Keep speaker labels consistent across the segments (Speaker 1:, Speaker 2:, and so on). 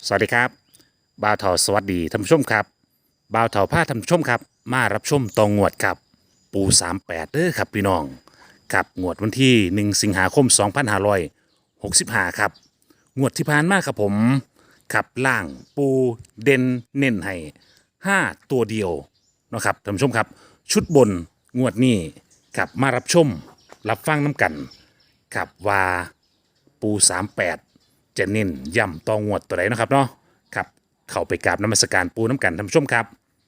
Speaker 1: สวัสดีครับบ่าวเถาสวัสดีท่านผู้ชมครับบ่าวเถาพาท่านผู้ชมครับมารับชมตองงวดครับปู38เด้อครับพี่น้องกับงวดวันที่1สิงหาคม2565ครับงวดที่ผ่านมาครับผมขับล่างปูเด่นเน้นให้5ตัวเดียวนะครับท่านผู้ชมครับชุดบนงวดนี้ครับมารับชมรับฟังน้ำกันครับว่าปู38จะเน้นย่ำตองวดตัวไหนนะครับเนาะครับเข้าไปกราบนมัสการปูน้ำกันท่านผู้ชมครับ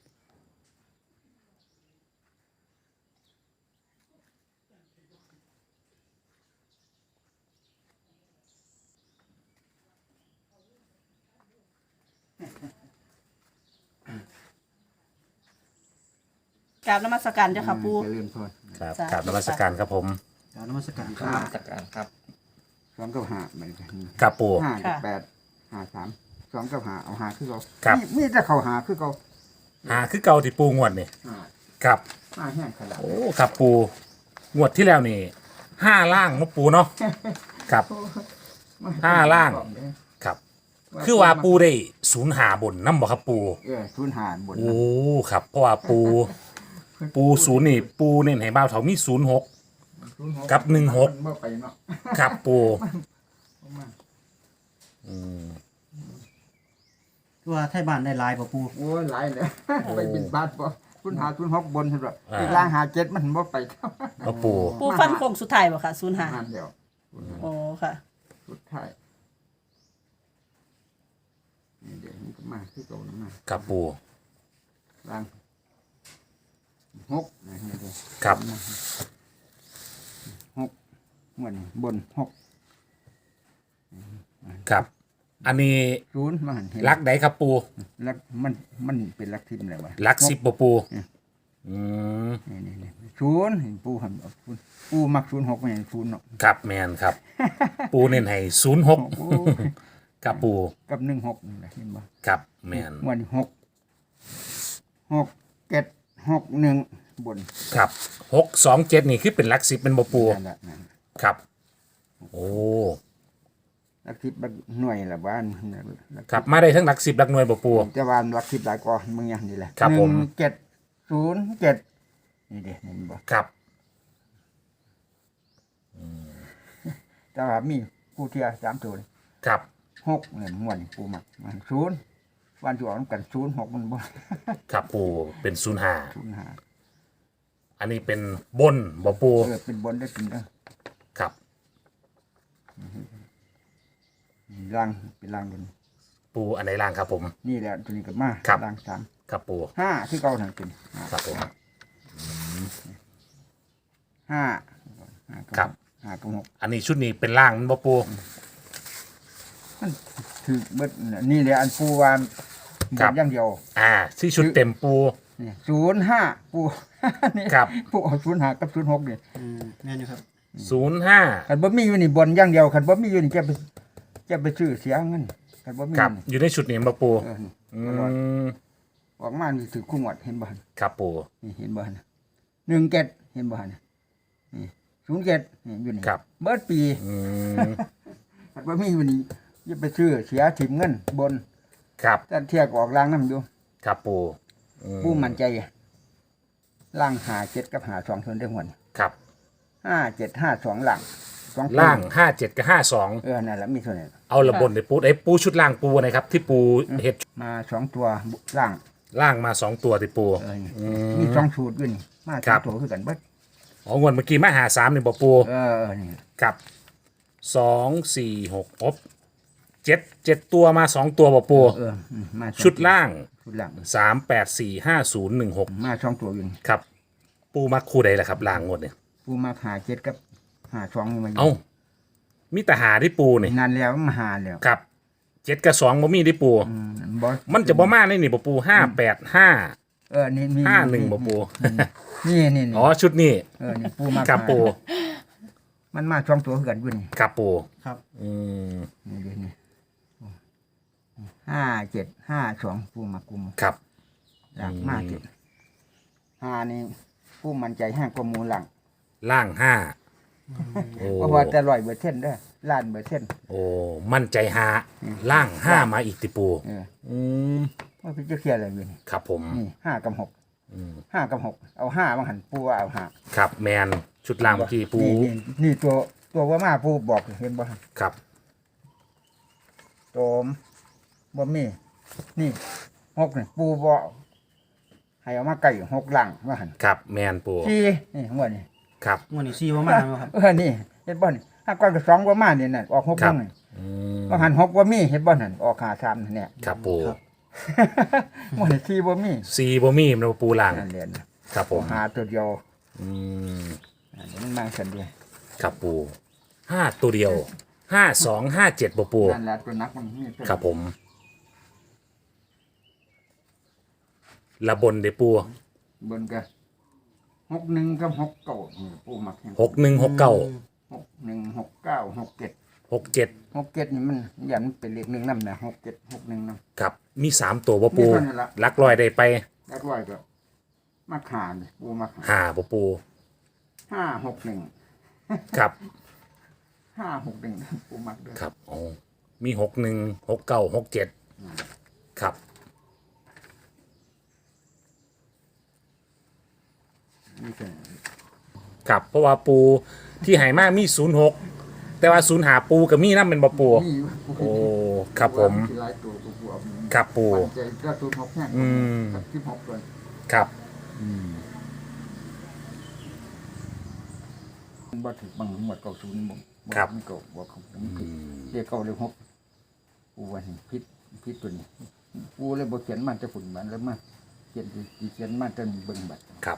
Speaker 2: กราบนมัสการเจ้าค่ะปู
Speaker 3: เจริญพร
Speaker 1: ครับ
Speaker 2: สาธุ
Speaker 1: กราบนมัสการครับผม
Speaker 3: กรารนมัสการค
Speaker 4: ค
Speaker 3: รั
Speaker 4: รั
Speaker 3: บบ
Speaker 4: จากการครับ
Speaker 3: สองกับห้าเหมือนกัน
Speaker 1: ครับปู
Speaker 3: ห้ากับแปดห้าสามสองกับห้าเอาหาคือเขา
Speaker 1: ครับ
Speaker 3: มีแต่เขาหาคือเขา
Speaker 1: หาคือเก่าที่ปูงวดนี่
Speaker 3: ห้า
Speaker 1: ครับ
Speaker 3: ห้าแห้งขนาด
Speaker 1: โอ้ครับปูงวดที่แล้วนี่5ล่างเนาะปูเนาะครับ ห้าล่าง ครับ คือว่าปูได้05บนน้ำบ่ครับปู
Speaker 3: ทุนหารบน
Speaker 1: โอ้ครับเพราะว่าปูศูนย์นี่ปูเน้นให้บ่าวเถามี06 กับ16
Speaker 3: มันบ่ไปเนาะ
Speaker 1: ครับปู
Speaker 4: ตัวไทยบ้านได้หลายป่ะปู
Speaker 3: โอ้ยหลายเลยไปบินบาทบ่ทุนหาทุนหกบนใช่ไหมอีกล่างหาเจ็ดมันบ่ไปครับ
Speaker 1: เอาปู
Speaker 2: ปูฟันโค้งสุดท้ายบ่ค่ะ05
Speaker 3: งานเดียว
Speaker 2: โอ้ค่ะ
Speaker 3: สุดท้ายนี่เดี๋ยวมันก็มาคือเก่านะมา
Speaker 1: ครับปู
Speaker 3: ล่างหกนะนี่เดี๋ยว
Speaker 1: ครับ
Speaker 3: หกเหมือนบนหก
Speaker 1: ครับ อันนี้
Speaker 3: ศูนย์มาหันเห็น
Speaker 1: ลักใดครับปู
Speaker 3: ลักมันเป็นลักทิมเลยวะ
Speaker 1: ลัก10บ่ปูอืม
Speaker 3: นี่ศูนย์เห็นปูหันเอาศูนย์ปูมักศูนย์หกไม่เห็นศูนย์เนาะ
Speaker 1: ครับแมนครับ ปูเน้นให้
Speaker 3: โอ้
Speaker 1: 06ครับปู
Speaker 3: กับหนึ่งหกนี่แหละเห็นบ่
Speaker 1: ครับแมน
Speaker 3: วันหกหกเจ็ดหกหนึ่งบน
Speaker 1: ครับ627นี่คือเป็นลัก10เป็นบ่ปู
Speaker 3: นั่นแหละนั่น
Speaker 1: ครับ โอ้
Speaker 3: ลักทิพลักหน่วยละบ้านลัก
Speaker 1: ครับมาได้ทั้งลัก10ลักหน่วยบ่ปู
Speaker 3: จะวานลักทิพหลายกว่ามึงอย่างนี้แหละ
Speaker 1: ครับผม
Speaker 3: 1 7 0 7นี่เด็เห็นบ่
Speaker 1: ครับ
Speaker 3: แต่ว่ามีกูเทียสามตัวเลย
Speaker 1: ครับ
Speaker 3: หกเนี่ยม่วนปูมักมันศูนย์วันที่ออกนำกันศูนย์หกมันบ่
Speaker 1: ครับปูเป็น
Speaker 3: ศูนย์หา
Speaker 1: 05อันนี้เป็นบนบ่ปู
Speaker 3: เป็นบนได้เป็นเด้อ
Speaker 1: ครับ
Speaker 3: ล่างเป็นล่างบน
Speaker 1: ปูอันไหนล่างครับผม
Speaker 3: นี่แหละตัวนี้ก็มา
Speaker 1: ครับ
Speaker 3: ล่างสาม
Speaker 1: ครับปู
Speaker 3: ห้าที่เก่าทางเป็น
Speaker 1: ครับผม
Speaker 3: ห้า
Speaker 1: ครับ
Speaker 3: ห้ากับหก
Speaker 1: อันนี้ชุดนี้เป็นล่างมันบ่ปู
Speaker 3: มันถือเบิดนี่แหละอันปูวาน
Speaker 1: ครับ
Speaker 3: อย่างเดียว
Speaker 1: ที่ชุดเต็มปู
Speaker 3: นี่05ปู นี่
Speaker 1: ครับ
Speaker 3: ปูเอา05กับ06นี่
Speaker 4: แม่นอยู่ครับ
Speaker 1: 05
Speaker 3: คันบ่มีอยู่นี่บนอย่างเดียวคันบ่มีอยู่นี่จะไปซื้อเสียเงินคันบ่มี
Speaker 1: ครับ
Speaker 3: นี่
Speaker 1: อยู่ในชุดนี้บ่ปู
Speaker 3: นี่
Speaker 1: อื
Speaker 3: ตลอด
Speaker 1: ม
Speaker 3: ออกมานี่ถือคู่งวดเห็นบ่หั่น
Speaker 1: ครับปู
Speaker 3: นี่เห็นบ่หั่น17เห็นบ่หั่นนี่07นี่อยู่นี่
Speaker 1: ครับ
Speaker 3: เบิดปี
Speaker 1: อืม
Speaker 3: คันบ่มีอยู่นี่จะไปซื้อเสียถิ่มเงินบน
Speaker 1: ครับ
Speaker 3: แต่เที่ยก็ออกล่างนำอยู่
Speaker 1: ครับปูอืม
Speaker 3: ปูมั่นใจล่าง57กับ52ส่วนได้หวน
Speaker 1: ครับ
Speaker 3: 5752ล่างสองตัว
Speaker 1: ล่าง57กับ52
Speaker 3: นั่นแหละมีเท่านั้น
Speaker 1: เอาระบนในปูไอ้ปูชุดล่างปูนะครับ ที่ปูเห็ด
Speaker 3: มาสองตัวล่าง
Speaker 1: ล่างมา2ตัวที่ปู
Speaker 3: มีสองสูตรด้วยนี่มาส
Speaker 1: ครั
Speaker 3: อง
Speaker 1: บ
Speaker 3: ตัวคือกันเบิด
Speaker 1: อ๋องวดเมื่อกี้มาหา3นี่บ่ปู
Speaker 3: นี่
Speaker 1: ครับ2 4 6อบ7ตัวมา2ตัวบ่ปู
Speaker 3: มาสอง
Speaker 1: ชุดล่าง
Speaker 3: ชุดล่าง
Speaker 1: 3845016
Speaker 3: มาสองตัวอยู่นี่
Speaker 1: ครับ ปูมักคู่ใดล่ะครับล่างงวดเนี่ย
Speaker 3: ปูมาหาเจ็ดกับหาสองนี่มาอยู่
Speaker 1: เอ้ามีแต่หาที่ปูนี่
Speaker 3: นานแล้วมาหาแล้ว
Speaker 1: ครับ7กับ2บ่มีที่ปู
Speaker 3: บอส
Speaker 1: มันจะบ่มาในนี่บ่ปู585
Speaker 3: นี่มี
Speaker 1: 51บ่ปู
Speaker 3: นี่
Speaker 1: อ๋อชุดนี้
Speaker 3: นี่ปูมา
Speaker 1: ครับปู
Speaker 3: มันมาสองตัวคือกันด้วยนี่
Speaker 1: ครับปู
Speaker 4: ครับ
Speaker 1: อืม
Speaker 3: นี่เดี๋ยวนี้5752ปูมากุม
Speaker 1: ครับ
Speaker 3: หลังมาเจ็ดหานี่ปูมั่นใจห้ากว่าหมูหลัง
Speaker 1: ล่าง5โอ้
Speaker 3: เพราะว่าแต่100%เด้อล้านเปอร์เซ็นต์
Speaker 1: โอ้มั่นใจหาล่างห้ามาอีกติปู
Speaker 3: อืมว่าพี่จะเคลียร์อะไรอยู่นี่
Speaker 1: ครับผม
Speaker 3: นี่5 กับ 6 5 กับ 6เอา5บางหันปูว่าเอา5
Speaker 1: ครับแมนชุดล่างเมื่อกี้ปู
Speaker 3: นี่ตัวว่ามาปูบอกเห็นบ่
Speaker 1: ครับ
Speaker 3: ตัวบ่มีนี่6นี่ปูบ่ให้เอามาไก่6หลังว่าหัน
Speaker 1: ครับแมนปู
Speaker 3: สี่นี่หัวนี่
Speaker 1: ครับ
Speaker 4: งวดนี้ซีบ่มาแล้วครับ
Speaker 3: นี่เห็นบ่นี่ถ้าก้อนก็2บ่มานี่น่ะออก6
Speaker 1: ครับ
Speaker 3: นี่
Speaker 1: อืม
Speaker 3: ว่าหัน6บ่มีเห็นบ่นั่นออก5 3นี่เนี่ย
Speaker 1: ครับปู
Speaker 3: มันสี่บ่มี
Speaker 1: ซีบ่มีมันปูล่าง
Speaker 3: นั่นเรียน
Speaker 1: ครับผม
Speaker 3: หาตัวเดียว
Speaker 1: อืม
Speaker 3: อันนี้มันมาสันเดียว
Speaker 1: ครับปู5ตัวเดียว5257บ่ปู
Speaker 3: นั่นแหละตัวนักมันมีตัว
Speaker 1: ครับผมระบนเดปู
Speaker 3: บนก็61กับ69นี่ปูมักแห่ง
Speaker 1: 6169
Speaker 3: 61 69 67
Speaker 1: 67
Speaker 3: 67นี่มันอย่ามันเป็นเลข1นำนะ67 61นำ
Speaker 1: ครับมี3ตัวบ่ปู
Speaker 3: มีเท่านั้นล่ะ
Speaker 1: หลักร้อยได้ไป
Speaker 3: แล้วร้อยก็มาขานี่ปูมาขา
Speaker 1: หาบ่ปู
Speaker 3: 561
Speaker 1: ครับ
Speaker 3: 561ปูมักเด้อ
Speaker 1: ครับอ๋อมี616967ครับ
Speaker 3: นี่คือ
Speaker 1: ครับเพราะว่าปูที่ไหมามี06แต่ว่า0หาปูกับมีน้ำเป็นบ่ปู
Speaker 3: นี่
Speaker 1: โอ้ครับผม
Speaker 3: หลายตัวปูเอา
Speaker 1: ครับปู
Speaker 3: ปันใจก็ตัว6แห้ง
Speaker 1: อืม
Speaker 3: กับ16ตัว
Speaker 1: ครับ
Speaker 3: บ่ถึกบางหมดเก่า0บ่
Speaker 1: ครับ
Speaker 3: มันเก่าบ่ของผมผิดเรียกเก่าเรียก6ปูว่านี่ผิดตัวนี้ปูเลยบ่เขียนมันจะฝุ่นมันแล้วมาเขียนมาจนเบิ่งบัด
Speaker 1: ครับ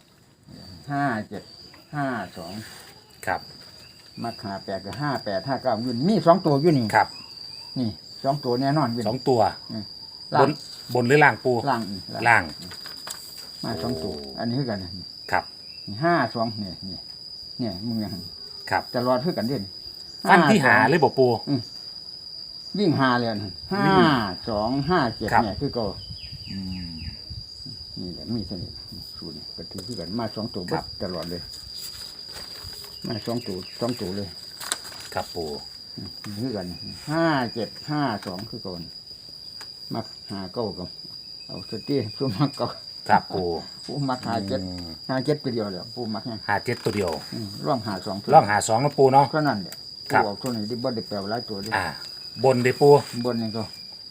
Speaker 3: 57 52
Speaker 1: ครับ
Speaker 3: มาขา8กับ58 59อยู่นี่มี2ตัวอยู่นี่
Speaker 1: ครับ
Speaker 3: นี่2ตัวแน่นอนอยู่
Speaker 1: สองตัว
Speaker 3: ล่า
Speaker 1: บ
Speaker 3: ง
Speaker 1: นบนหรือล่างปู
Speaker 3: ล่างนี่
Speaker 1: ล่าง
Speaker 3: มา2ตัวอันนี้คือกันนี่
Speaker 1: ครับ
Speaker 3: 52นี่มึงยัง
Speaker 1: ครับ
Speaker 3: ตลอดคือกันเด่น
Speaker 1: ฟันที่หาเลยบ่ปู
Speaker 3: วิ่งหาเลยนะ5257
Speaker 1: ครับ
Speaker 3: เนี่ยคือก็นี่แหละมีเสน่ห์สูตรก็ถือคือกันมา2ตัวเบิดตลอดเลยมา2ตัวเลย
Speaker 1: ครับปู
Speaker 3: คือกัน5752คือก่อนมักหาเก้าก็เอาสติสู้มักเก้า
Speaker 1: ครับปู
Speaker 3: ผู้มักหาเจ็ดตัวเดียวเลยผู้มักเนี่ย
Speaker 1: หา7ตัวเดียว
Speaker 3: ร่องหา2ตัว
Speaker 1: ล่องหา2นะปูเนาะ
Speaker 3: ก็นั่นแหละ
Speaker 1: ครับ
Speaker 3: ผู้ออกตัวนี้ได้บ่ได้แปลว่าหลายตัวด้วย
Speaker 1: บนเดปู
Speaker 3: บนนี่ก็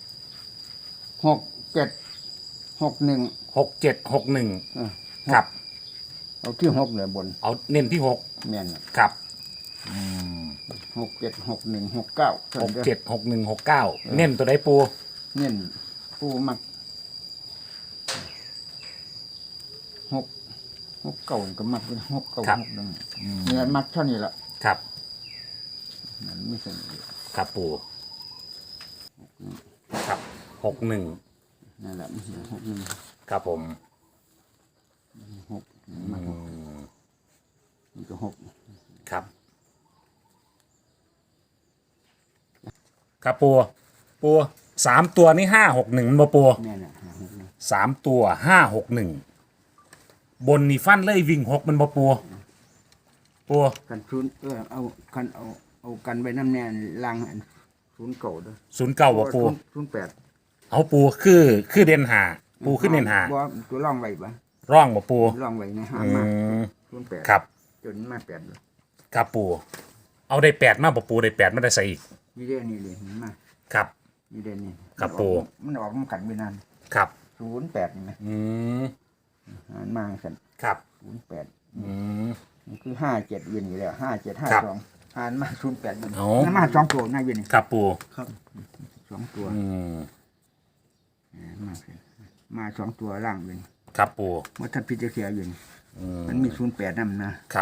Speaker 3: 6761
Speaker 1: 6761ครับ
Speaker 3: เอาที่6เลยบน
Speaker 1: เอาเน้นที่
Speaker 3: แม่นน่ะ
Speaker 1: 6ครับ
Speaker 3: 676169
Speaker 1: 676169เน้นตัวใดปู
Speaker 3: เน้นผู้มัก6 ก็มักเป็น6 9 61เนี่ยมักเท่านี้ล่ะ
Speaker 1: ครับ
Speaker 3: มันไม่สนิท
Speaker 1: ครับปูครับ61
Speaker 3: นั่นแหละมัน61
Speaker 1: ครับผม
Speaker 3: มันก็6
Speaker 1: ครับ ครับปู3ตัวนี่561บ่ปู
Speaker 3: แม่น่ะ
Speaker 1: 3ตัว561บนนี่ฟันเลยวิ่ง6มันบ่ปู
Speaker 3: กันชุนเอากันเอากันไว้น้ำแน่ล่างอันศูนย์เก่าด้วย
Speaker 1: 09บ่ปู
Speaker 3: 08
Speaker 1: เอาปูคือเด่นหาปูขึ้นเด่นหา
Speaker 3: บ่ตัวร่องไว้บ่
Speaker 1: ร่องบ่ปู
Speaker 3: ร่องไว้ในหา
Speaker 1: อื
Speaker 3: มาม 08
Speaker 1: ครับ
Speaker 3: จนมา8เลย
Speaker 1: ครับปูเอาได้8มาบ่ปูได้8มาได้ใส่อีก
Speaker 3: นี่เด้นี่เลยมา
Speaker 1: ครับ
Speaker 3: นี่เด้นี่
Speaker 1: ครับปู่
Speaker 3: มันออกมันขันไว้นาน
Speaker 1: ครับ
Speaker 3: 08นี่มั้ย
Speaker 1: อืม
Speaker 3: มันมาสั่น
Speaker 1: ครับ
Speaker 3: 08
Speaker 1: อืม
Speaker 3: นี่คือ57อยู่นี่แล้ว57
Speaker 1: ครับ
Speaker 3: 52หารมา08อยู่
Speaker 1: เอา
Speaker 3: มันมา2ตัวนะอยู่นี่
Speaker 1: ครับปู
Speaker 3: 2ตัว
Speaker 1: อืม
Speaker 3: มา2ตัวล่างอยู่นี่
Speaker 1: ครับปู
Speaker 3: บ่ทันพิจารณาอยู่นี่มันมี08นำนะครับ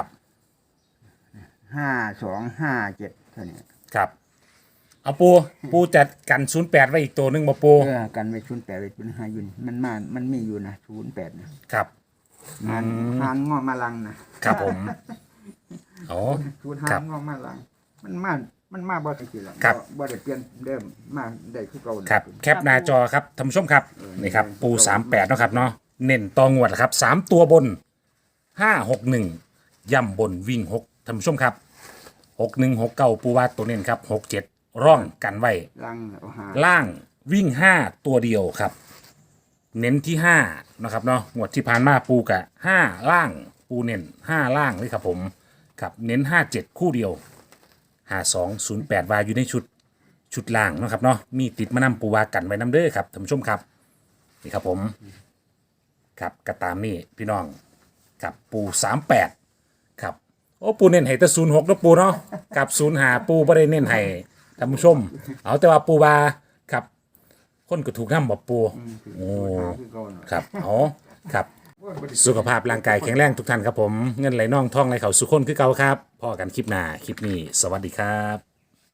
Speaker 3: 5257เท่านี้
Speaker 1: ครับเอาปูจัดกัน08ไว้อีกตัวหนึงบ่ปู
Speaker 3: กันไว้08ไว้เป็น5อยู่นี่มันมีอยู่นะ08นะครับ หานงอมาลังนะครับ
Speaker 1: ผมโอ้
Speaker 3: หา
Speaker 1: ครับ
Speaker 3: นงอมาลังมันมาบ่ได้กี่ละ
Speaker 1: ครับ
Speaker 3: บ่ได้เปลี่ยนเดิมมาได้คือเก่า
Speaker 1: ครับแคปหน้าจอครับท่านผู้ชมครับนี่ครับปู38เนาะครับเนาะเน้นตองวดครับ3ตัวบน561ย่ำบนวิ่ง6ท่านผู้ชมครับ 6169ปูว่าตัวเน้นครับ67ร่องกันไว้
Speaker 3: ลังเอาหา
Speaker 1: ล่างวิ่ง 5 ตัวเดียวครับ เน้นที่5นะครับเนาะงวดที่ผ่านมาปูกะ5ล่างปูเน้น5ล่างเลยครับผมครับเน้น57คู่เดียว5208วาอยู่ในชุดล่างเนาะครับเนาะมีติดมานำปูวากันไว้น้ำเด้อครับท่านผู้ชมครับนี่ครับผมครับกระตามนี่พี่น้องครับปู38ครับโอ้ปูเน้นให้แต่06แล้วปูเนาะกับ05ปูบ่ได้เน้นให้ท่านผู้ชมเอาแต่ว่าปูวาครับคนก็ถูกนำบ่ปูโอ้ครับเอาครับ สุขภาพร่างกายแข็งแรงทุกท่านครับผมเงินไหลน่องท่องไหลเข่าสุขคนคือเก่าครับพอกันคลิปหน้าคลิปนี้สวัสดีครับ